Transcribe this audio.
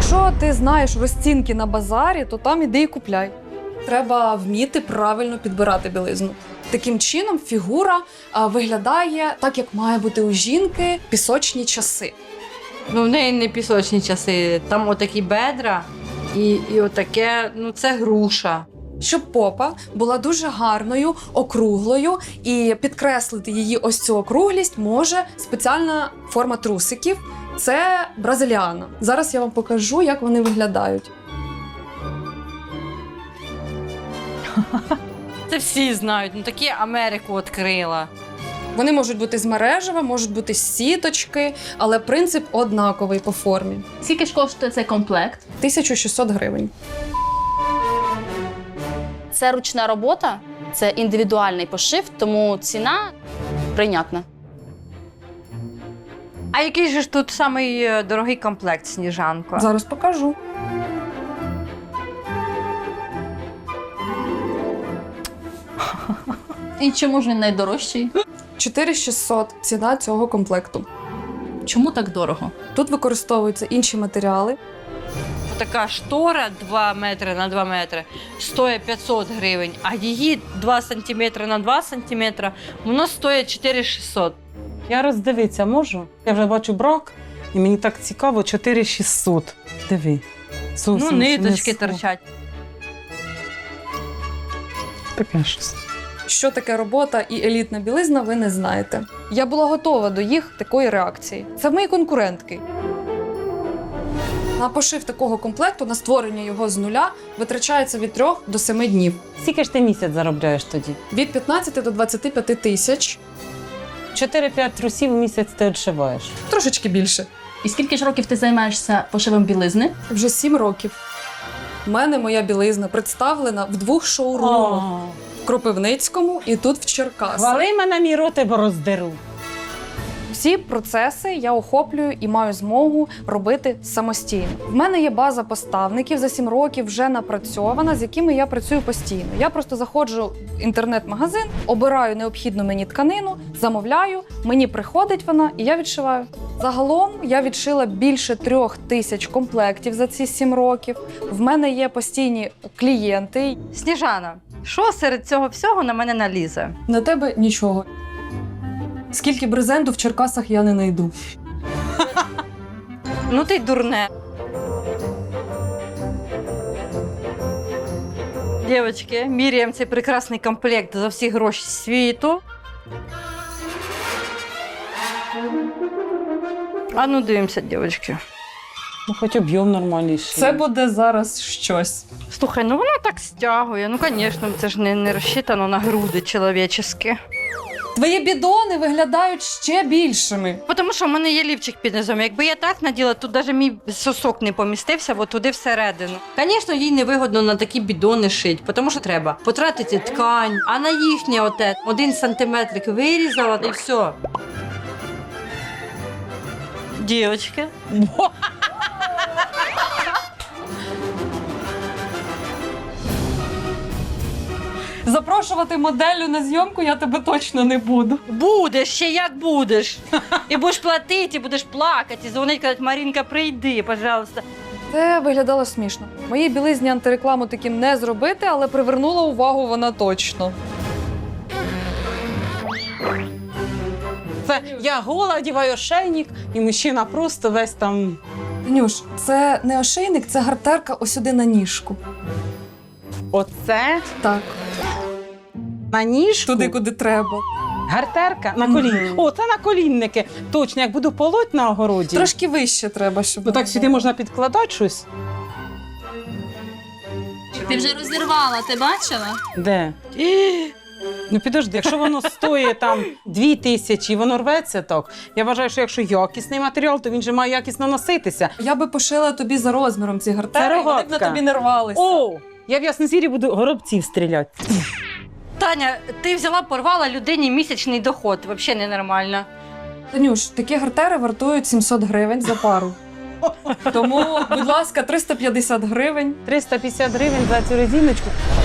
Якщо ти знаєш розцінки на базарі, то там іди і купляй. Треба вміти правильно підбирати білизну. Таким чином фігура виглядає так, як має бути у жінки пісочні часи. Ну, в неї не пісочні часи, там отакі бедра і отаке, ну це груша. Щоб попа була дуже гарною, округлою, і підкреслити її ось цю округлість може спеціальна форма трусиків. Це бразиліана. Зараз я вам покажу, як вони виглядають. Це всі знають, ну такі Америку відкрила. Вони можуть бути з мережева, можуть бути з сіточки, але принцип однаковий по формі. Скільки ж коштує цей комплект? 1600 гривень. Це ручна робота, це індивідуальний пошив, тому ціна прийнятна. А який же ж тут самий дорогий комплект, Сніжанко? Зараз покажу. І чому ж він найдорожчий? 4600 ціна цього комплекту. Чому так дорого? Тут використовуються інші матеріали. Така штора 2 метри на 2 метри стоїть 500 гривень, а її 2 сантиметри на 2 сантиметри, воно стоїть 4600. Я роздивитися можу? Я вже бачу брак, і мені так цікаво, 4600. Диви. Ну, ниточки торчать. торчать. Таке щось. Що таке робота і елітна білизна, ви не знаєте. Я була готова до їх такої реакції. Це мої конкурентки. На пошив такого комплекту, на створення його з нуля, витрачається від 3 до 7 днів. Скільки ж ти місяць заробляєш тоді? Від 15 до 25 тисяч, 4-5 трусів в місяць ти відшиваєш. трошечки більше. І скільки ж років ти займаєшся пошивом білизни? Вже 7 років. У мене моя білизна представлена в 2 шоурумах. В Кропивницькому і тут в Черкасах. Хвали мене, мій рот, бо роздеру. Всі процеси я охоплюю і маю змогу робити самостійно. В мене є база поставників за 7 років вже напрацьована, з якими я працюю постійно. Я просто заходжу в інтернет-магазин, обираю необхідну мені тканину, замовляю, мені приходить вона і я відшиваю. Загалом я відшила більше 3000 комплектів за ці 7 років. В мене є постійні клієнти. Сніжана, що серед цього всього на мене налізе? На тебе нічого. Скільки брезенту в Черкасах я не знайду. Ну ти й дурне. Дівчатки, міряємо цей прекрасний комплект за всі гроші світу. А ну дивимося, дівчатки. Ну, хоч об'єм нормальніший. Це буде зараз щось. Слухай, ну вона так стягує. Ну, звісно, це ж не розчитано на груди чоловічі. Твої бідони виглядають ще більшими. Тому що в мене є лівчик під низом. Якби я так наділа, тут навіть мій сосок не помістився, от туди всередину. Звісно, їй невигодно на такі бідони шити, тому що треба потратити ткань, а на їхнє оте 1 сантиметрик вирізала і все. Дівчатки. Запрошувати моделлю на зйомку я тебе точно не буду. Будеш, ще як будеш. І будеш платити, і будеш плакати, і дзвонити, казати, Марінка, прийди, пожалуйста. Це виглядало смішно. Моїй білизні антирекламу таким не зробити, але привернула увагу вона точно. Це я гола, одягаю ошейник, і мужчина просто весь там... Нюш, це не ошейник, це гартерка ось сюди на ніжку. Оце Так, на ніжку. туди, куди треба. Гартерка на коліні. О, це на колінники. Точно, як буду полоть на огороді. Трошки вище треба, щоб... Ну так сюди можна підкладати щось. Ти вже розірвала, ти бачила? Де? Ну підожди, якщо воно стоїть там 2000 і воно рветься так, я вважаю, що якщо якісний матеріал, то він же має якісно носитися. Я би пошила тобі за розміром ці гартери, і вони б на рогатка. тобі не рвалися. О, я в Яснозір'ї буду горобців стріляти. Таня, ти взяла, порвала людині місячний доход. Взагалі ненормально. Танюш, такі гартери вартують 700 гривень за пару. Тому, будь ласка, 350 гривень. 350 гривень за цю резиночку.